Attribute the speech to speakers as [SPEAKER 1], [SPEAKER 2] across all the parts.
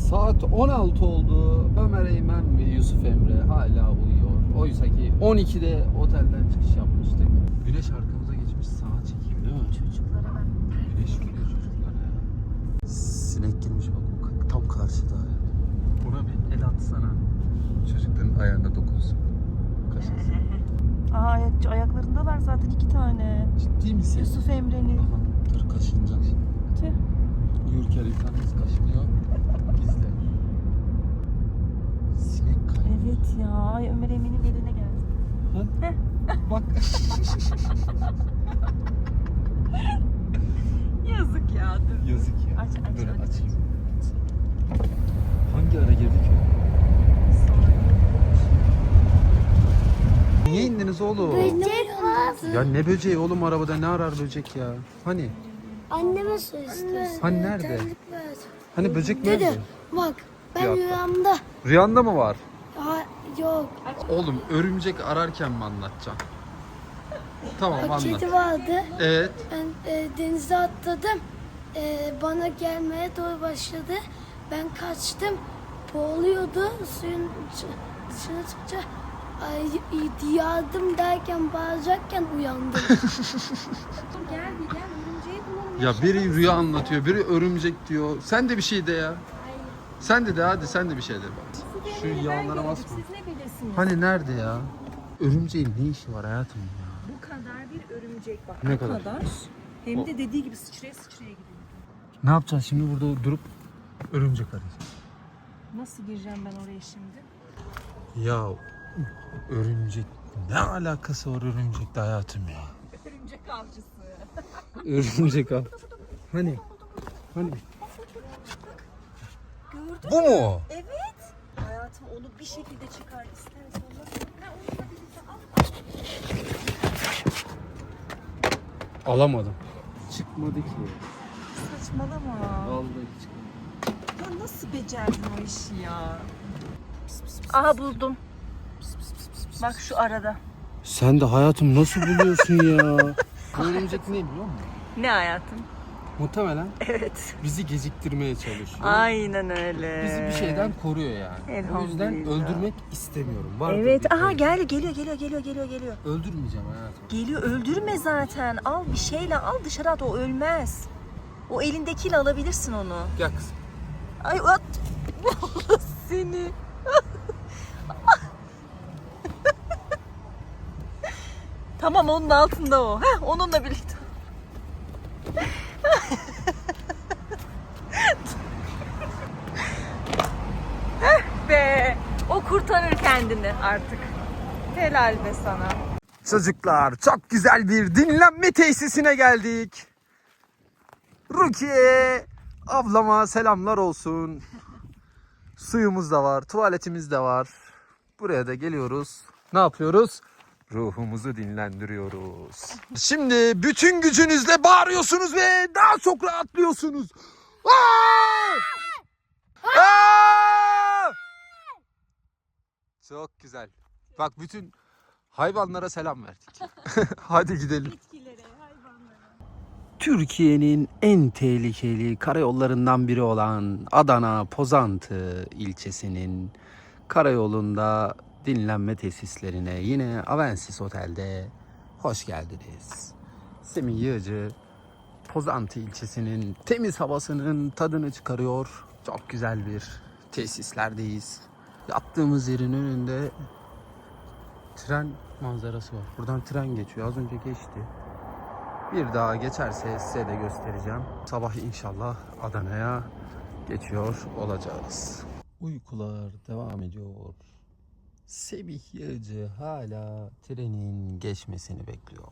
[SPEAKER 1] Saat 16 oldu. Ömer Eymen ve Yusuf Emre hala uyuyor. Oysa ki 12'de otelden çıkış yapmıştık. Güneş arkamıza geçmiş, sağa çekeyim değil mi?
[SPEAKER 2] Çocuklara ben
[SPEAKER 1] Güneş vuruyor çocuklara ya. Sinek girmiş bak, tam karşıda. Buna bir el atsana. Çocukların ayağına dokunsun. Kaşınsın.
[SPEAKER 2] ayaklarındalar zaten 2 tane.
[SPEAKER 1] Ciddi misin?
[SPEAKER 2] Yusuf Emre'nin.
[SPEAKER 1] Aha, dur kaşınacak şimdi.
[SPEAKER 2] Tüh.
[SPEAKER 1] Uyurken insanımız kaşınıyor. Biz de. Sinek kaybı.
[SPEAKER 2] Evet ya. Ay Ömer Emin'in eline geldi.
[SPEAKER 1] Ha? Bak.
[SPEAKER 2] Yazık ya. Dur.
[SPEAKER 1] Yazık ya.
[SPEAKER 2] Aç,
[SPEAKER 1] Böyle
[SPEAKER 2] aç.
[SPEAKER 1] açayım. Hangi ara girdik ya? Niye indiniz oğlum?
[SPEAKER 3] Böcek var.
[SPEAKER 1] Ya ne böceği oğlum, arabada ne arar böcek ya? Hani?
[SPEAKER 3] Anneme su istiyorsun.
[SPEAKER 1] Hani nerede? Hani böcek nerede?
[SPEAKER 3] Dede bak ben
[SPEAKER 1] Bir dakika.
[SPEAKER 3] rüyamda.
[SPEAKER 1] Rüyanda mı var?
[SPEAKER 3] Ha, yok.
[SPEAKER 1] Oğlum örümcek ararken mi anlatacaksın? Tamam
[SPEAKER 3] Bak
[SPEAKER 1] anlat.
[SPEAKER 3] kedi vardı.
[SPEAKER 1] Evet.
[SPEAKER 3] Ben denize atladım. Bana gelmeye doğru başladı. Ben kaçtım. Boğuluyordu. Suyun dışına çıkınca yardım derken bağıracakken uyandım.
[SPEAKER 2] Gel örümceği bulalım.
[SPEAKER 1] Ya biri rüya anlatıyor, biri örümcek diyor. Sen de bir şey de ya. Sen de hadi sen de bir şey de bak. Şu yağlara basma.
[SPEAKER 2] Siz ne bilirsiniz?
[SPEAKER 1] Hani nerede ya? Örümceğin ne işi var hayatım ya?
[SPEAKER 2] Bu kadar bir örümcek bak.
[SPEAKER 1] Ne
[SPEAKER 2] bu
[SPEAKER 1] kadar?
[SPEAKER 2] Hem de dediği gibi sıçraya gidiyor.
[SPEAKER 1] Ne yapacağız şimdi burada durup örümcek arayacağız?
[SPEAKER 2] Nasıl gireceğim ben oraya şimdi?
[SPEAKER 1] Ya örümcek ne alakası var örümcekle hayatım ya?
[SPEAKER 2] Örümcek avcısı.
[SPEAKER 1] Örümcek al. Hani? Hani?
[SPEAKER 2] Gördün
[SPEAKER 1] Bu mu?
[SPEAKER 2] Evet. Hayatım onu bir şekilde çıkar istersen. Onunla birlikte al.
[SPEAKER 1] Alamadım. Çıkmadı ki.
[SPEAKER 2] Saçmalama.
[SPEAKER 1] Vallahi çıkmadı.
[SPEAKER 2] Ya nasıl becerdin o işi ya? Aha buldum. Bak şu arada.
[SPEAKER 1] Sen de hayatım nasıl buluyorsun ya? Bu örümcek ne biliyor musun?
[SPEAKER 2] Ne hayatım?
[SPEAKER 1] Muhtemelen
[SPEAKER 2] Evet.
[SPEAKER 1] bizi geciktirmeye çalışıyor.
[SPEAKER 2] Aynen öyle.
[SPEAKER 1] Bizi bir şeyden koruyor yani. O yüzden
[SPEAKER 2] Elhamdülillah.
[SPEAKER 1] öldürmek istemiyorum. Vardır
[SPEAKER 2] Evet.
[SPEAKER 1] bir
[SPEAKER 2] Aha
[SPEAKER 1] şey.
[SPEAKER 2] geliyor.
[SPEAKER 1] Öldürmeyeceğim hayatım.
[SPEAKER 2] Geliyor öldürme zaten. Al bir şeyle al dışarı at, o ölmez. O elindekiyle alabilirsin onu.
[SPEAKER 1] Gel kızım.
[SPEAKER 2] Ay at. Seni. Tamam onun altında o. Heh, onunla birlikte. Heh be. O kurtarır kendini artık. Helal be sana.
[SPEAKER 1] Çocuklar çok güzel bir dinlenme tesisine geldik. Rukiye ablama selamlar olsun. Suyumuz da var, tuvaletimiz de var. Buraya da geliyoruz. Ne yapıyoruz? Ruhumuzu dinlendiriyoruz. Şimdi bütün gücünüzle bağırıyorsunuz ve daha çok rahatlıyorsunuz. Aa! Aa! Çok güzel. Bak bütün hayvanlara selam verdik. Hadi gidelim. Türkiye'nin en tehlikeli karayollarından biri olan Adana Pozantı ilçesinin karayolunda dinlenme tesislerine yine Avensis Otel'de hoş geldiniz. Semih Yığcı Pozantı ilçesinin temiz havasının tadını çıkarıyor. Çok güzel bir tesislerdeyiz. Yattığımız yerin önünde tren manzarası var. Buradan tren geçiyor. Az önce geçti. Bir daha geçerse size de göstereceğim. Sabah inşallah Adana'ya geçiyor olacağız. Uykular devam ediyor. Semih Yığcı hala trenin geçmesini bekliyor.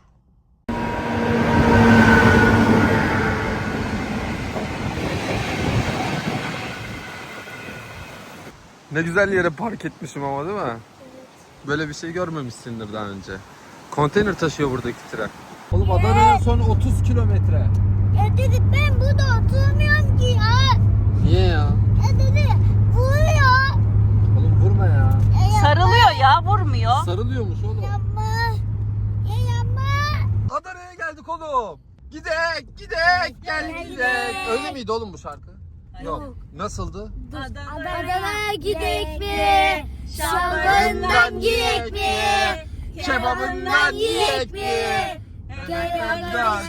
[SPEAKER 1] Ne güzel yere park etmişim ama değil mi? Evet. Böyle bir şey görmemişsindir daha önce. Konteyner taşıyor buradaki tren. Oğlum Adana'ya son 30 kilometre.
[SPEAKER 3] Ya dedi ben burada oturmuyorum ki ya.
[SPEAKER 1] Niye ya?
[SPEAKER 3] Ya dedi vuruyor.
[SPEAKER 1] Oğlum vurma ya.
[SPEAKER 2] Sarılıyor ya, vurmuyor.
[SPEAKER 1] Sarılıyormuş oğlum.
[SPEAKER 3] Yapma. Ya yapma.
[SPEAKER 1] Adana'ya geldik oğlum. Gidek, gel gidek. Öyle miydi oğlum bu şarkı? Yok. Nasıldı?
[SPEAKER 3] Adana'ya gidek mi? Şalvarından giyek mi? Kebabından yiyek mi? Gel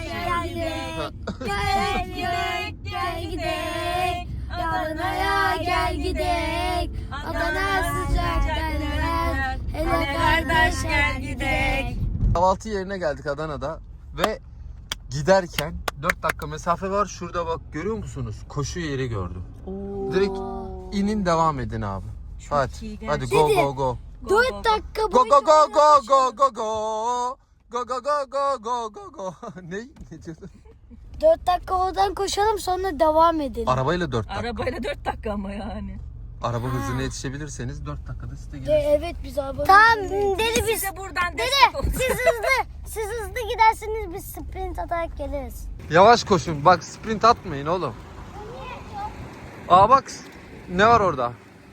[SPEAKER 3] gidek. Adana'ya gel gidek. Adana sıcak derler. Hele kardeş gel gidek.
[SPEAKER 1] Kahvaltı yerine geldik Adana'da ve giderken 4 dakika mesafe var. Şurada bak görüyor musunuz? Koşu yeri gördüm. Direkt inin devam edin abi. Hadi. Hadi go go go.
[SPEAKER 3] 4 dakika
[SPEAKER 1] Go go go go go go go. Go go go go go go go. Ne diyordun?
[SPEAKER 3] 4 dakika oradan koşalım sonra devam edelim.
[SPEAKER 1] Arabayla 4 dakika.
[SPEAKER 2] Arabayla 4 dakika ama yani.
[SPEAKER 1] Araba hızına yetişebilirseniz 4 dakikada size gelirsiniz.
[SPEAKER 3] Evet biz araba. Tamam dedi biz.
[SPEAKER 2] Size buradan destek olsun.
[SPEAKER 3] Siz hızlı giderseniz biz sprint atarak geliriz.
[SPEAKER 1] Yavaş koşun. Bak sprint atmayın oğlum. Aa bak ne var orada?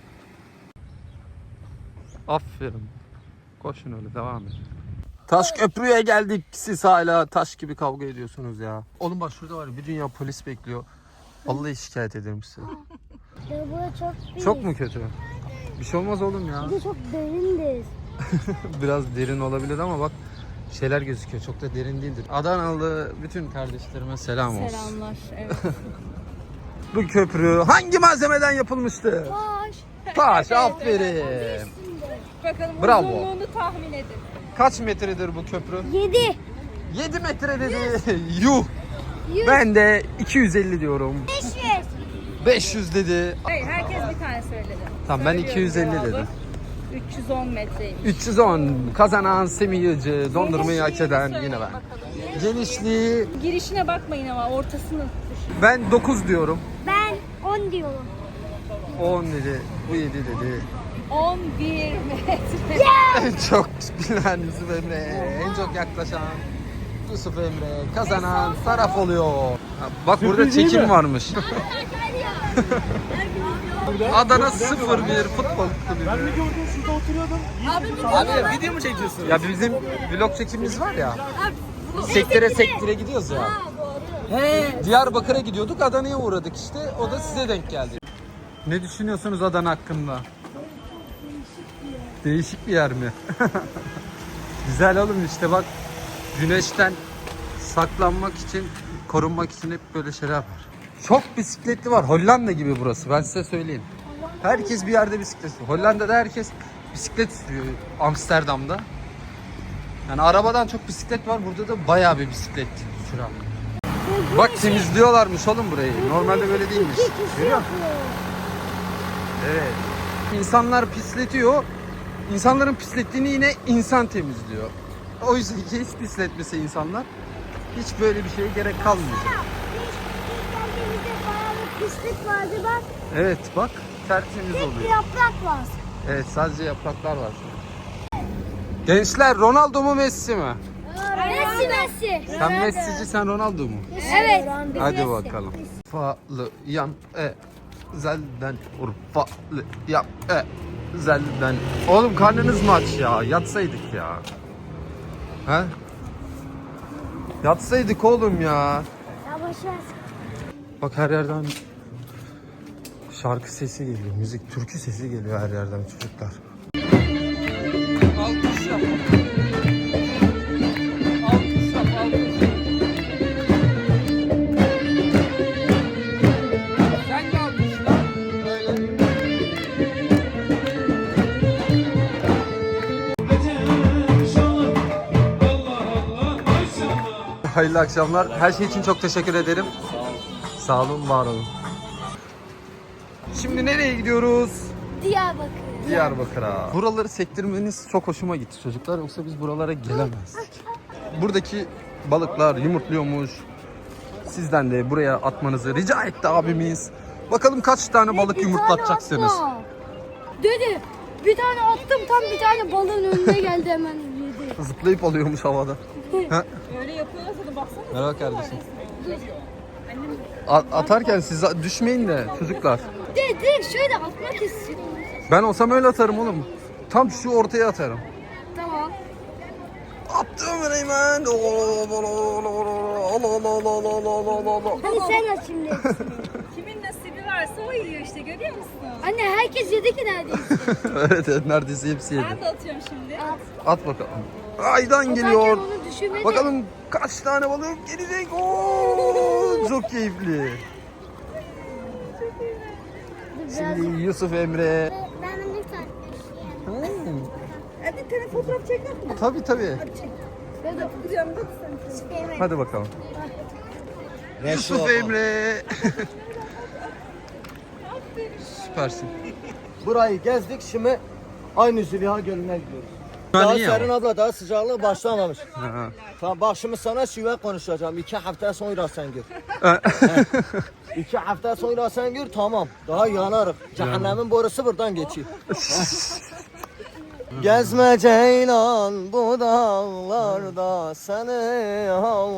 [SPEAKER 1] Aferin. Koşun öyle devam edin. Taş köprüye geldik. Siz hala taş gibi kavga ediyorsunuz ya. Oğlum bak şurada var bir dünya polis bekliyor. Vallahi şikayet ederim size.
[SPEAKER 3] Ya bu çok büyük.
[SPEAKER 1] Çok mu kötü? Bir şey olmaz oğlum ya.
[SPEAKER 3] Bir de çok derindir.
[SPEAKER 1] Biraz derin olabilir ama bak şeyler gözüküyor. Çok da derin değildir. Adanalı bütün kardeşlerime selam olsun.
[SPEAKER 2] Selamlar. Evet.
[SPEAKER 1] Bu köprü hangi malzemeden yapılmıştı?
[SPEAKER 3] Taş.
[SPEAKER 1] Taş, aferin.
[SPEAKER 2] Bakalım
[SPEAKER 1] Bravo.
[SPEAKER 2] uzunluğunu tahmin edin.
[SPEAKER 1] Kaç metredir bu köprü?
[SPEAKER 3] 7.
[SPEAKER 1] 7 metre dedi. Yuh. Ben de 250 diyorum.
[SPEAKER 3] 500.
[SPEAKER 1] 500 dedi.
[SPEAKER 2] Hayır, herkes bir tane söyledi.
[SPEAKER 1] Tamam ben
[SPEAKER 2] Söylüyorum
[SPEAKER 1] 250
[SPEAKER 2] cevabı.
[SPEAKER 1] dedim.
[SPEAKER 2] 310 metreymiş.
[SPEAKER 1] 310 kazanan Semih Yılcı, dondurmayı hak eden
[SPEAKER 2] Söyleyin
[SPEAKER 1] yine ben.
[SPEAKER 2] bakalım.
[SPEAKER 1] Genişliği
[SPEAKER 2] Girişine bakmayın ama ortasını düşün.
[SPEAKER 1] ben 9 diyorum.
[SPEAKER 3] Ben 10 diyorum.
[SPEAKER 1] 10 dedi. Bu 7 dedi.
[SPEAKER 2] 11 metre.
[SPEAKER 1] En çok bilen Yusuf Emre, en çok yaklaşan Yusuf Emre kazanan taraf oluyor. Ha, bak burada çekim varmış. Adana 0-1 futbol kulübü.
[SPEAKER 4] Ben mi gördüm şurada oturuyordum.
[SPEAKER 1] Abi video mu çekiyorsun? Ya bizim vlog çekimimiz var ya. Sektire gidiyoruz ya. Diyarbakır'a gidiyorduk, Adana'ya uğradık işte. O da size denk geldi. Ne düşünüyorsunuz Adana hakkında? Değişik bir yer mi? Güzel oğlum işte bak. Güneşten saklanmak için, korunmak için hep böyle şeyler var. Çok bisikletli var. Hollanda gibi burası. Ben size söyleyeyim. Herkes bir yerde bisiklet sürüyor. Hollanda'da herkes bisiklet sürüyor. Amsterdam'da. Yani arabadan çok bisiklet var. Burada da bayağı bir bisiklet süren. Bak temizliyorlarmış oğlum burayı. Normalde böyle değilmiş. Görüyor musun? Evet. İnsanlar pisletiyor. İnsanların pislettiğini yine insan temizliyor. O yüzden hiç pisletmese insanlar hiç böyle bir şeye gerek kalmayacak.
[SPEAKER 3] Geldiğimizde bayağı bir pislik vardı bak.
[SPEAKER 1] Evet bak tertemiz
[SPEAKER 3] Bir
[SPEAKER 1] oluyor.
[SPEAKER 3] yaprak var.
[SPEAKER 1] Evet sadece yapraklar var. Gençler Ronaldo mu Messi mi?
[SPEAKER 3] Messi.
[SPEAKER 1] Sen Messi'ci sen Ronaldo mu?
[SPEAKER 3] Evet.
[SPEAKER 1] Hadi bakalım. Urfalı yan zelden Urfalı yan zelden. Oğlum karnınız mı aç ya? Yatsaydık ya. He? Yatsaydık oğlum ya.
[SPEAKER 3] Ya boşver.
[SPEAKER 1] Bak her yerden şarkı sesi geliyor, müzik, türkü sesi geliyor her yerden çocuklar. Alkış yap. Alkış yap, alkış. Sen de alkışla. Böyle. Hayırlı akşamlar. Her şey için çok teşekkür ederim. Sağ olun, var olun. Şimdi nereye gidiyoruz?
[SPEAKER 3] Diyarbakır.
[SPEAKER 1] Diyarbakır'a. Buraları sektirmeniz çok hoşuma gitti çocuklar. Yoksa biz buralara gelemezdik. Buradaki balıklar yumurtluyormuş. Sizden de buraya atmanızı rica etti abimiz. Bakalım kaç tane balık yumurtlatacaksınız.
[SPEAKER 3] Dedi. Bir tane attım tam bir tane balığın önüne geldi hemen yedi.
[SPEAKER 1] Zıplayıp alıyormuş havada.
[SPEAKER 2] Öyle yapıyorlarsa da baksana.
[SPEAKER 1] Merhaba kardeşim. Atarken siz düşmeyin de çocuklar.
[SPEAKER 3] Direkt şöyle atmak istiyorum.
[SPEAKER 1] Ben olsam öyle atarım oğlum. Tam şu ortaya atarım.
[SPEAKER 3] Tamam.
[SPEAKER 1] Attım Reymen.
[SPEAKER 3] Hadi sen at şimdi.
[SPEAKER 2] Kimin nasibi varsa Mustafa yiyor işte, görüyor musun?
[SPEAKER 3] Anne herkes yedi ki neredeyse.
[SPEAKER 1] Evet neredeyse hepsi yedi.
[SPEAKER 2] Ben de atıyorum şimdi.
[SPEAKER 1] At bakalım. Aydan
[SPEAKER 3] Atarken
[SPEAKER 1] geliyor.
[SPEAKER 3] onu düşünmedi.
[SPEAKER 1] Bakalım kaç tane balık gelecek. Oo, çok keyifli. Şimdi Yusuf Emre.
[SPEAKER 3] Ben bunu tartmışım.
[SPEAKER 2] Hadi telefon fotoğraf çeker misin?
[SPEAKER 1] Tabii tabii.
[SPEAKER 2] Yanında
[SPEAKER 1] Hadi bakalım. Yusuf Emre. Süpersin.
[SPEAKER 4] Burayı gezdik, şimdi aynı Züleyha Gölü'ne gidiyoruz.
[SPEAKER 1] Ha,
[SPEAKER 4] Daha
[SPEAKER 1] niye
[SPEAKER 4] serin
[SPEAKER 1] ama?
[SPEAKER 4] abla, daha sıcaklık başlamamış.
[SPEAKER 1] Ha.
[SPEAKER 4] Tamam bak şimdi sana şive konuşacağım. 2 hafta sonra sen gör. 2 hafta sonra sen gör, tamam. Daha yanarız. Cehennemin borusu buradan geçiyor. Gezme ceylan bu dağlarda, seni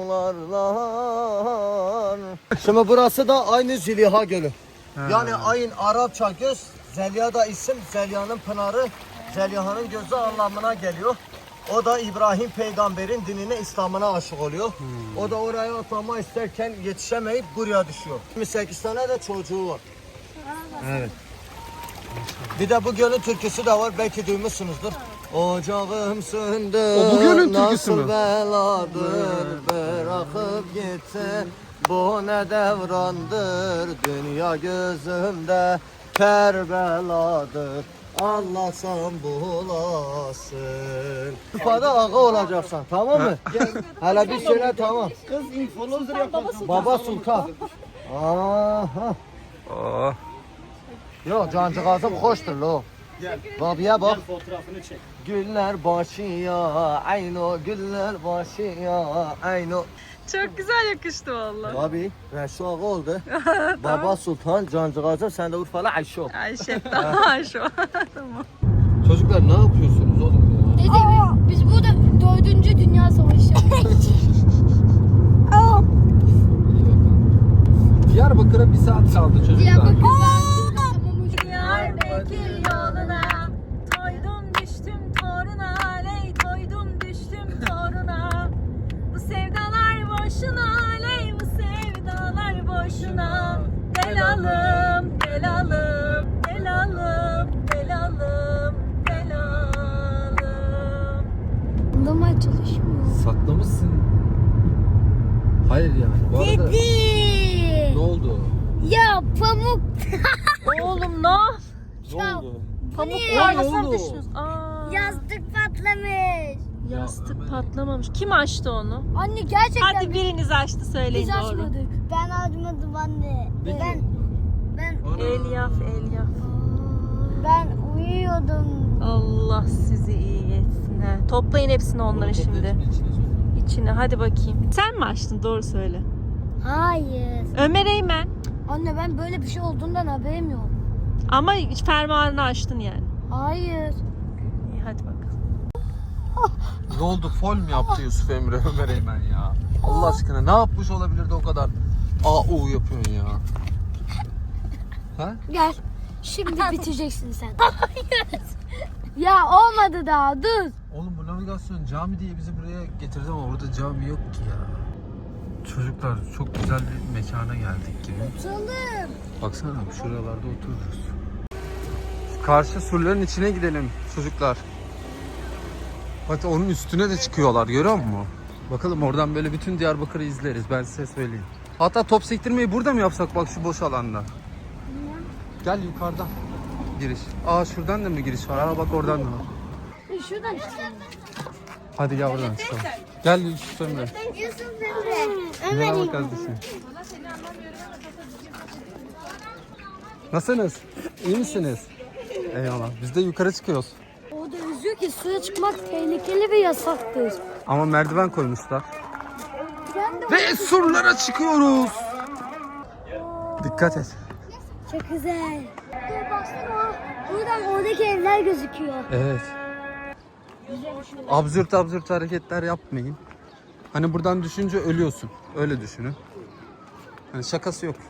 [SPEAKER 4] havlarlar. Şimdi burası da aynı Züleyha Gölü. Yani ayın Arapça göz, Zeliha da isim, Zeliha'nın pınarı, Zeliha'nın gözü anlamına geliyor. O da İbrahim peygamberin dinine, İslam'ına aşık oluyor. O da oraya atlama isterken yetişemeyip buraya düşüyor. 28 tane de çocuğu var.
[SPEAKER 1] Evet.
[SPEAKER 4] Bir de bu gölün türküsü de var, belki duymuşsunuzdur. Ocağım söndü,
[SPEAKER 1] O bu gölün türküsü
[SPEAKER 4] nasıl
[SPEAKER 1] mü?
[SPEAKER 4] beladır, bırakıp gitti. Bu ne devrandır, dünya gözümde Kerbeladır. Anlasam bulasın. Kupada ağa olacaksan, tamam mı? Hele bir söyle, tamam. Kız influencer yapacaksın. Baba Sultan. Aha.
[SPEAKER 1] Oh.
[SPEAKER 4] Yok cancığazım hoştur lo. Babiye bak. Fotoğrafını çek. Güller başıya ayno, güller başıya ayno.
[SPEAKER 2] Çok güzel yakıştı vallahi.
[SPEAKER 4] Abi Reşo ağa oldu. Baba Sultan, cancığazım, sen de Urfalı Ayşo.
[SPEAKER 2] Ayşe daha şu. Tamam.
[SPEAKER 1] Çocuklar ne yapıyorsunuz oğlum ya?
[SPEAKER 3] Dede biz burada 4. Dünya Savaşı.
[SPEAKER 1] Diyarbakır'a bir saat kaldı çocuklar.
[SPEAKER 2] Diyarbakır yoluna toydum düştüm toruna, ley toydum düştüm toruna. Bu sevdalar boşuna, ley bu sevdalar boşuna. Gel alım, gel alım, gel alım, gel alım, gel alım.
[SPEAKER 3] Anlamaya çalışmıyor.
[SPEAKER 1] Saklamışsın. Hayır yani. Bu arada ne oldu?
[SPEAKER 3] Ya pamuk.
[SPEAKER 2] Oğlum ne?
[SPEAKER 3] Ya,
[SPEAKER 2] Pamuk
[SPEAKER 3] ne?
[SPEAKER 2] tarlasına
[SPEAKER 1] oldu?
[SPEAKER 2] düştünüz. Aa,
[SPEAKER 3] yastık patlamış.
[SPEAKER 2] yastık patlamamış. Kim açtı onu?
[SPEAKER 3] Anne gerçekten
[SPEAKER 2] Hadi biriniz açtı, söyleyin
[SPEAKER 3] biz
[SPEAKER 2] doğru.
[SPEAKER 3] açmadık. Ben açmadım anne. Ben
[SPEAKER 2] Elyaf.
[SPEAKER 3] uyuyordum.
[SPEAKER 2] Allah sizi iyi etsin. He. Toplayın hepsini onların şimdi. İçine hadi bakayım. Sen mi açtın? Doğru söyle.
[SPEAKER 3] Hayır.
[SPEAKER 2] Ömer Eymen.
[SPEAKER 3] Anne ben böyle bir şey olduğundan haberim yok.
[SPEAKER 2] Ama fermuarını açtın yani.
[SPEAKER 3] Hayır.
[SPEAKER 2] İyi hadi bakalım.
[SPEAKER 1] Ne oldu? Fol mu yaptı Yusuf Emre Ömer Eymen ya? Allah aşkına ne yapmış olabilirdi o kadar? AU yapıyorsun ya. Ha?
[SPEAKER 3] Gel. Şimdi biteceksin sen. Hayır. Ya olmadı daha dur.
[SPEAKER 1] Oğlum bu navigasyon cami diye bizi buraya getirdi ama orada cami yok ki ya. Çocuklar çok güzel bir mekana geldik gibi.
[SPEAKER 3] Oturalım.
[SPEAKER 1] Baksana şuralarda otururuz. Şu karşı surların içine gidelim çocuklar. Hatta onun üstüne de çıkıyorlar, görüyor musun? Bakalım oradan böyle bütün Diyarbakır'ı izleriz, ben size söyleyeyim. Hatta top sektirmeyi burada mı yapsak, bak şu boş alanda? Gel yukarıdan giriş. Aa şuradan da mı giriş var? Aa bak oradan da var.
[SPEAKER 3] Şuradan çıkalım.
[SPEAKER 1] Hadi gel oradan çıkalım. Gel Yusuf Emre.
[SPEAKER 3] Yusuf Emre.
[SPEAKER 1] Merhaba kardeşim. Nasılsınız? İyi misiniz? Eyvallah. Biz de yukarı çıkıyoruz.
[SPEAKER 3] Orada yazıyor ki suya çıkmak tehlikeli ve yasaktır.
[SPEAKER 1] Ama merdiven koymuşlar.
[SPEAKER 3] Ben de
[SPEAKER 1] Ve surlara çıkıyoruz. Dikkat et.
[SPEAKER 3] çok güzel. Dur baksana. Buradan oradaki evler gözüküyor.
[SPEAKER 1] Evet. Absürt hareketler yapmayın. Hani buradan düşünce ölüyorsun. Öyle düşünün. Hani şakası yok.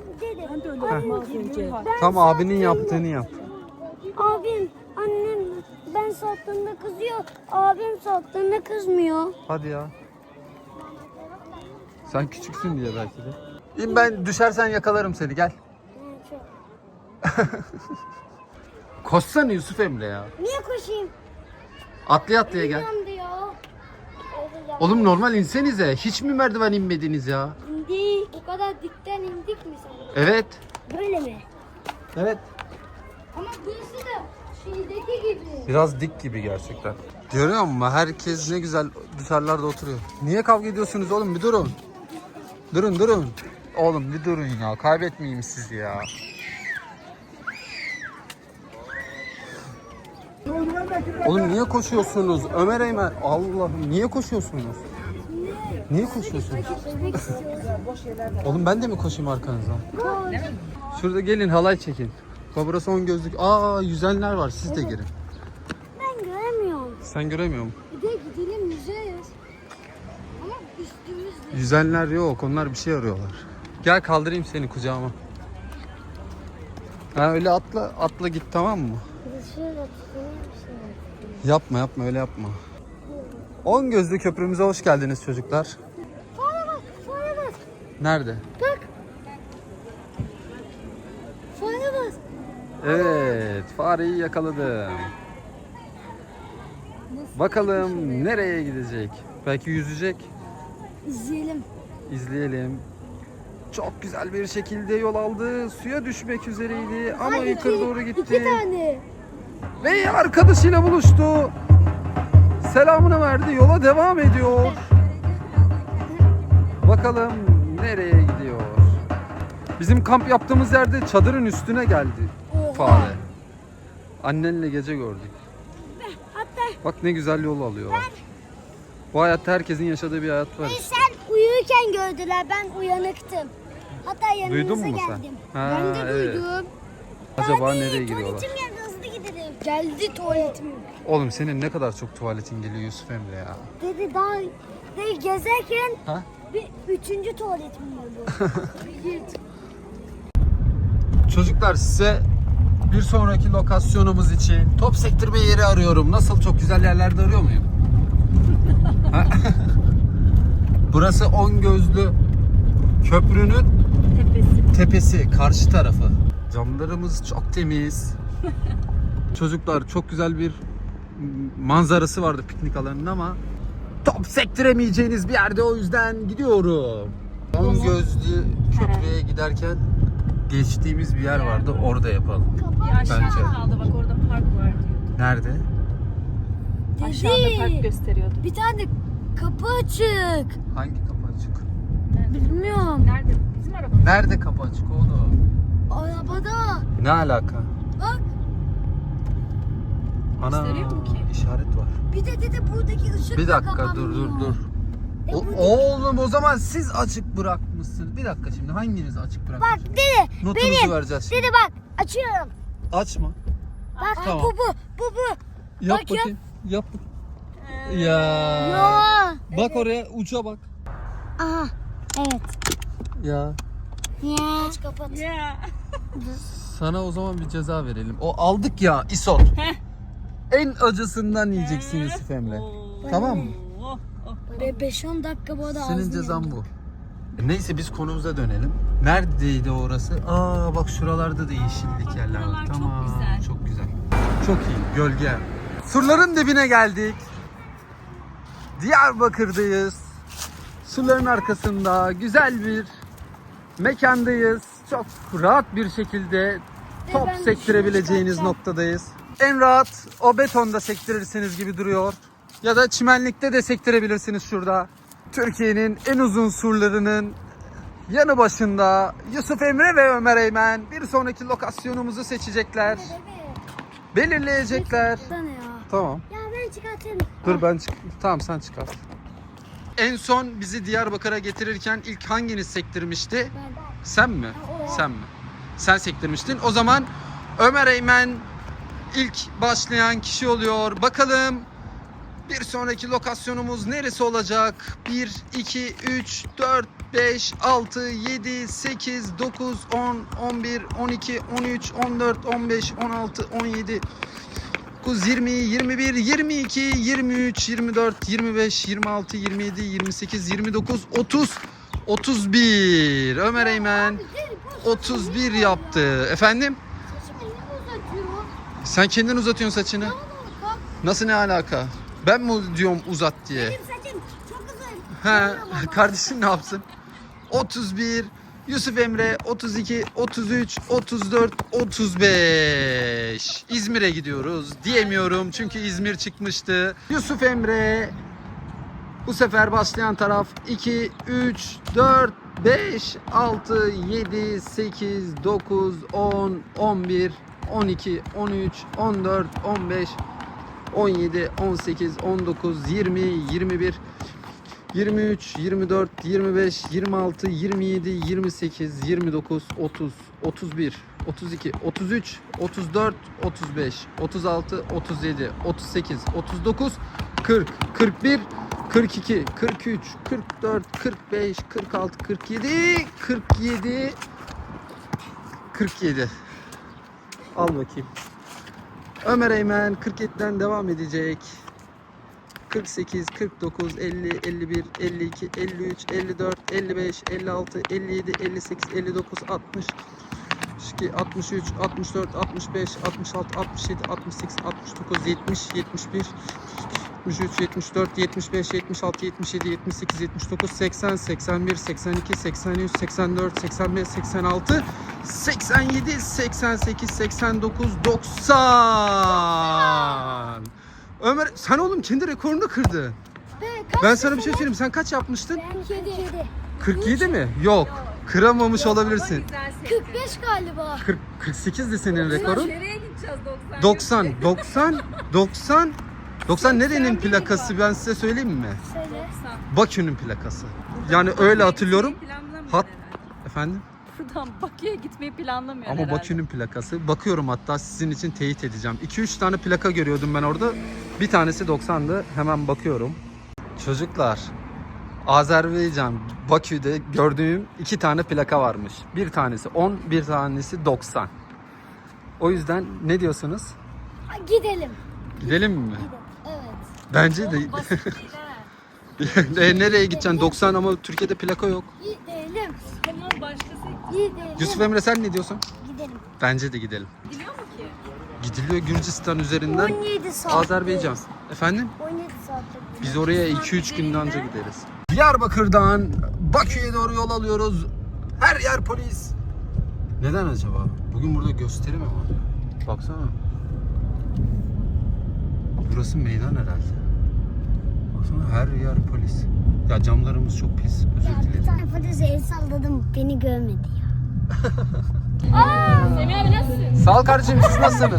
[SPEAKER 1] Tam abinin yaptığını yap.
[SPEAKER 3] Abim, annem ben sattığımda kızıyor. Abim sattığında kızmıyor.
[SPEAKER 1] Hadi ya. Sen küçüksün diye belki de. Ben düşersen yakalarım seni, gel. Koşsana Yusuf Emre ya.
[SPEAKER 3] Niye koşayım?
[SPEAKER 1] Atlaya gel.
[SPEAKER 3] Yandı ya.
[SPEAKER 1] Oğlum normal insenize. Hiç mi merdiven inmediniz ya?
[SPEAKER 3] İndik. O kadar dikten indik mi sen?
[SPEAKER 1] Evet.
[SPEAKER 3] Böyle mi?
[SPEAKER 1] Evet.
[SPEAKER 3] Ama burası da şeydeki gibi.
[SPEAKER 1] Biraz dik gibi gerçekten. Görüyor musun? Herkes ne güzel dışarılarda oturuyor. Niye kavga ediyorsunuz oğlum? Bir durun. Durun. Oğlum bir durun ya. Kaybetmeyeyim sizi ya. Oğlum niye koşuyorsunuz? Ömer Eymen. Allah'ım niye koşuyorsunuz? Niye koşuyorsunuz? Oğlum ben de mi koşayım arkanızdan? Şurada gelin halay çekin. Bak burası 10 gözlük. Aa yüzenler var. Siz de girin.
[SPEAKER 3] Ben göremiyorum.
[SPEAKER 1] Sen göremiyor musun?
[SPEAKER 3] Bir de gidelim yüzeriz. Ama üstümüzle.
[SPEAKER 1] Yüzenler yok. Onlar bir şey arıyorlar. Gel kaldırayım seni kucağıma. Ha öyle atla git tamam mı?
[SPEAKER 3] Şöyle tutalım
[SPEAKER 1] Yapma öyle yapma. 10 gözlü köprümüze hoş geldiniz çocuklar.
[SPEAKER 3] Fare bas.
[SPEAKER 1] Nerede?
[SPEAKER 3] Bak. Fare bas.
[SPEAKER 1] Evet, fareyi yakaladım. Bakalım nereye gidecek? Belki yüzecek.
[SPEAKER 3] İzleyelim.
[SPEAKER 1] İzleyelim. Çok güzel bir şekilde yol aldı. Suya düşmek üzereydi ama yukarı doğru gitti.
[SPEAKER 3] 2 tane.
[SPEAKER 1] Ve arkadaşıyla buluştu. Selamını verdi. Yola devam ediyor. Bakalım nereye gidiyor? Bizim kamp yaptığımız yerde çadırın üstüne geldi fare. Annenle gece gördük. Bak ne güzel yol alıyorlar. Bu hayatta herkesin yaşadığı bir hayat var.
[SPEAKER 3] Sen uyurken gördüler. Ben uyanıktım. Hatta yanınıza
[SPEAKER 1] Duydun mu sen?
[SPEAKER 3] geldim.
[SPEAKER 1] Ha,
[SPEAKER 3] Ben de
[SPEAKER 1] evet.
[SPEAKER 3] duydum.
[SPEAKER 1] Acaba
[SPEAKER 3] Hadi,
[SPEAKER 1] nereye gidiyorlar?
[SPEAKER 3] Tuvaletim geldi, hızlı gidelim. Geldi tuvaletim.
[SPEAKER 1] Oğlum senin ne kadar çok tuvaletin geliyor Yusuf Emre ya.
[SPEAKER 3] Dedi daha gezerken
[SPEAKER 1] Ha?
[SPEAKER 3] bir 3. tuvaletim oldu. Git.
[SPEAKER 1] Çocuklar size bir sonraki lokasyonumuz için top sektirme yeri arıyorum. Nasıl, çok güzel yerlerde arıyor muyum? Ha? Burası 10 gözlü köprünün tepesi, karşı tarafı. Camlarımız çok temiz. Çocuklar çok güzel bir manzarası vardı piknik alanının ama top sektiremeyeceğiniz bir yerde, o yüzden gidiyorum. 10 gözlü köprüye giderken geçtiğimiz bir yer vardı, orada yapalım.
[SPEAKER 2] Aşağıda
[SPEAKER 1] Bence.
[SPEAKER 2] kaldı bak, orada park var diyordu.
[SPEAKER 1] Nerede?
[SPEAKER 2] Aşağıda park gösteriyordu.
[SPEAKER 3] Bir tane kapı açık.
[SPEAKER 1] Hangi kapı açık?
[SPEAKER 3] Bilmiyorum.
[SPEAKER 2] Nerede? Bizim araba.
[SPEAKER 1] Nerede kapı açık oğlum?
[SPEAKER 3] Arabada.
[SPEAKER 1] Ne alaka?
[SPEAKER 3] Bak.
[SPEAKER 1] Ana,
[SPEAKER 2] Gösteriyor mu ki?
[SPEAKER 1] işaret var.
[SPEAKER 3] Bir de dedi buradaki ışık
[SPEAKER 1] Bir
[SPEAKER 3] da
[SPEAKER 1] dakika
[SPEAKER 3] kapanmıyor.
[SPEAKER 1] dur. Oğlum o zaman siz açık bırakmışsınız. Bir dakika şimdi hanginiz açık
[SPEAKER 3] Bak
[SPEAKER 1] bırakmış?
[SPEAKER 3] dedi.
[SPEAKER 1] Notunuzu vereceğiz şimdi.
[SPEAKER 3] Dedi bak. Açıyorum.
[SPEAKER 1] Açma.
[SPEAKER 3] Bak
[SPEAKER 1] Tamam.
[SPEAKER 3] bu.
[SPEAKER 1] Yap
[SPEAKER 3] Bak ya.
[SPEAKER 1] bakayım. Yap. Ya.
[SPEAKER 3] Ya.
[SPEAKER 1] Bak oraya, uca bak.
[SPEAKER 3] Aha. Evet.
[SPEAKER 1] Ya.
[SPEAKER 3] Ya. Aç kapat.
[SPEAKER 2] Ya.
[SPEAKER 1] Sana o zaman bir ceza verelim. O aldık ya isot. En acısından yiyeceksin Yusuf Emre. Tamam mı?
[SPEAKER 2] Oh, oh.
[SPEAKER 3] Ve 5-10 dakika bu arada
[SPEAKER 1] Senin
[SPEAKER 3] ağzını
[SPEAKER 1] cezan
[SPEAKER 3] yandı.
[SPEAKER 1] bu. Neyse biz konumuza dönelim. Neredeydi orası? Aa bak şuralarda da yeşillik yerler var.
[SPEAKER 2] Buralar çok
[SPEAKER 1] Tamam.
[SPEAKER 2] güzel.
[SPEAKER 1] Çok güzel. Çok iyi. Gölge. Surların dibine geldik. Diyarbakır'dayız. Surların arkasında güzel bir mekandayız. Çok rahat bir şekilde top
[SPEAKER 3] ben
[SPEAKER 1] sektirebileceğiniz
[SPEAKER 3] şunu
[SPEAKER 1] noktadayız. En rahat o betonda sektirirsiniz gibi duruyor. Ya da çimenlikte de sektirebilirsiniz şurada. Türkiye'nin en uzun surlarının yanı başında Yusuf Emre ve Ömer Eymen bir sonraki lokasyonumuzu seçecekler. Belirleyecekler.
[SPEAKER 3] Sana ya.
[SPEAKER 1] Tamam.
[SPEAKER 3] Ya ben çıkartayım.
[SPEAKER 1] Dur ben tamam sen çıkar. En son bizi Diyarbakır'a getirirken ilk hanginiz sektirmişti?
[SPEAKER 3] Ben.
[SPEAKER 1] Sen mi?
[SPEAKER 3] o.
[SPEAKER 1] Sen mi? Sen sektirmiştin. O zaman Ömer Eymen ilk başlayan kişi oluyor. Bakalım bir sonraki lokasyonumuz neresi olacak? 1, 2, 3, 4, 5, 6, 7, 8, 9, 10, 11, 12, 13, 14, 15, 16, 17, 19, 20, 21, 22, 23, 24, 25, 26, 27, 28, 29, 30, 31. Ömer Eymen 31 yaptı. Efendim?
[SPEAKER 3] uzatıyor.
[SPEAKER 1] Sen kendin uzatıyorsun saçını.
[SPEAKER 3] Kalk.
[SPEAKER 1] Nasıl ne alaka? Ben mi diyorum uzat diye?
[SPEAKER 3] Benim saçım çok uzun.
[SPEAKER 1] He, kardeşin ne yapsın? 31, Yusuf Emre 32, 33, 34, 35. İzmir'e gidiyoruz diyemiyorum çünkü İzmir çıkmıştı. Yusuf Emre bu sefer başlayan taraf 2, 3, 4, 5, 6, 7, 8, 9, 10, 11, 12, 13, 14, 15, 17, 18, 19, 20, 21, 23, 24, 25, 26, 27, 28, 29, 30, 31, 32, 33, 34, 35, 36, 37, 38, 39, 40, 41, 42, 43, 44, 45, 46, 47, 47, 47. Al bakayım. Ömer Eymen 47'den devam edecek. 48, 49, 50, 51, 52, 53, 54, 55, 56, 57, 58, 59, 60, 62, 63, 64, 65, 66, 67, 68, 69, 70, 71, 73, 74, 75, 76, 77, 78, 79, 80, 81, 82, 83, 84, 85, 86, 87, 88, 89, 90. Ömer sen oğlum kendi rekorunu kırdın. Ben sana bir şey söyleyeyim. Sen kaç yapmıştın?
[SPEAKER 3] Ben 47.
[SPEAKER 1] 47 mi? Yok. Kıramamış olabilirsin.
[SPEAKER 3] 45 galiba.
[SPEAKER 1] 48'di senin rekorun.
[SPEAKER 2] Nereye gideceğiz
[SPEAKER 1] 90. 90 nerenin plakası ben size söyleyeyim mi?
[SPEAKER 3] Söyle.
[SPEAKER 1] Bakü'nün plakası. Yani öyle hatırlıyorum. Hat efendim?
[SPEAKER 2] Buradan Bakü'ye gitmeyi planlamıyor
[SPEAKER 1] Ama
[SPEAKER 2] herhalde.
[SPEAKER 1] Bakü'nün plakası. Bakıyorum hatta sizin için teyit edeceğim. 2-3 tane plaka görüyordum ben orada. Bir tanesi 90'dı. Hemen bakıyorum. Çocuklar, Azerbaycan, Bakü'de gördüğüm 2 tane plaka varmış. Bir tanesi 10, bir tanesi 90. O yüzden ne diyorsunuz?
[SPEAKER 3] Gidelim.
[SPEAKER 1] Gidelim mi?
[SPEAKER 3] Evet.
[SPEAKER 1] Bence de. Nereye gideceksin? 90 ama Türkiye'de plaka yok.
[SPEAKER 3] Gidelim.
[SPEAKER 2] Tamam başkası
[SPEAKER 3] Gidelim.
[SPEAKER 1] Yusuf Emre sen ne diyorsun?
[SPEAKER 3] Gidelim.
[SPEAKER 1] Bence de gidelim.
[SPEAKER 2] gidiyor mu ki?
[SPEAKER 1] Gidiliyor Gürcistan üzerinden
[SPEAKER 3] 17 saat.
[SPEAKER 1] Azerbaycan. Efendim?
[SPEAKER 3] 17 saatte.
[SPEAKER 1] Biz oraya 2-3 günde anca gideriz. Diyarbakır'dan Bakü'ye doğru yol alıyoruz. Her yer polis. Neden acaba? Bugün burada gösteri mi var? Baksana. Burası meydan herhalde. Baksana her yer polis. Ya camlarımız çok pis. Özür
[SPEAKER 3] Bir
[SPEAKER 1] dilerim.
[SPEAKER 3] tane polise el salladım. Beni görmedi ya.
[SPEAKER 2] Semih abi nasılsın?
[SPEAKER 1] Sağ ol kardeşim, siz nasılsınız?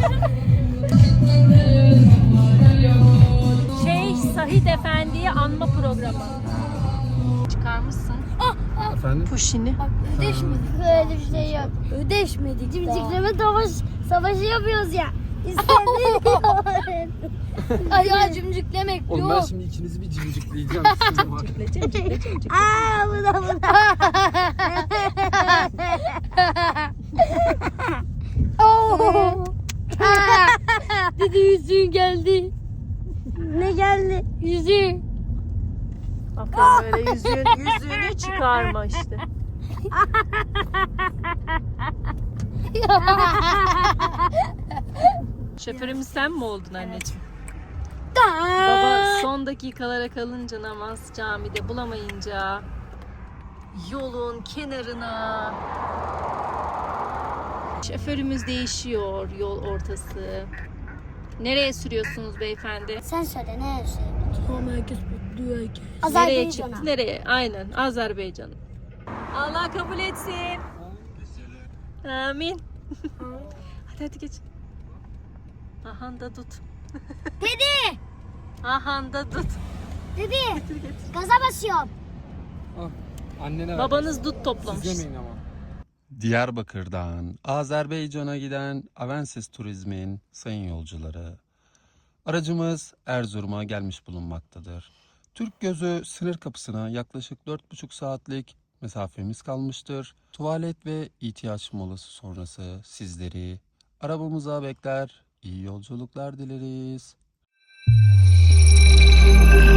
[SPEAKER 2] Sahid Efendi'yi anma programı. Çıkarmışsın.
[SPEAKER 1] Efendim?
[SPEAKER 2] Puşini.
[SPEAKER 3] Bak ödeşmedik. Öyle bir şey yok. Ödeşmedik. Cimcikleme savaşı yapıyoruz ya. İstediğini Ay ya cimciklemek
[SPEAKER 1] Oğlum ben
[SPEAKER 3] yok.
[SPEAKER 1] şimdi ikinizi bir cimcikleyeceğim. Sizin var.
[SPEAKER 3] Aa bu da. Dedi yüzüğün geldi. Ne geldi? Yüzüğü.
[SPEAKER 2] Aferin böyle yüzüğünü çıkarma işte. Şoförümüz sen mi oldun anneciğim? Baba son dakikalara kalınca namaz camide bulamayınca yolun kenarına şoförümüz değişiyor yol ortası. Nereye sürüyorsunuz beyefendi?
[SPEAKER 3] Sen söyle ne söyle? Tamam herkes bekliyor herkes.
[SPEAKER 2] Nereye çıktı? Nereye? Aynen Azerbaycan'a. Allah kabul etsin. Amin. hadi geç. Ahanda tut.
[SPEAKER 3] Dedi.
[SPEAKER 2] Ahanda tut.
[SPEAKER 3] Dedi. Gaza basıyorum.
[SPEAKER 1] Annene
[SPEAKER 2] Babanız dut toplamış.
[SPEAKER 1] ama. Diyarbakır'dan Azerbaycan'a giden Avensis Turizm'in sayın yolcuları. Aracımız Erzurum'a gelmiş bulunmaktadır. Türk Gözü sınır kapısına yaklaşık 4,5 saatlik mesafemiz kalmıştır. Tuvalet ve ihtiyaç molası sonrası sizleri arabamıza bekler. İyi yolculuklar dileriz.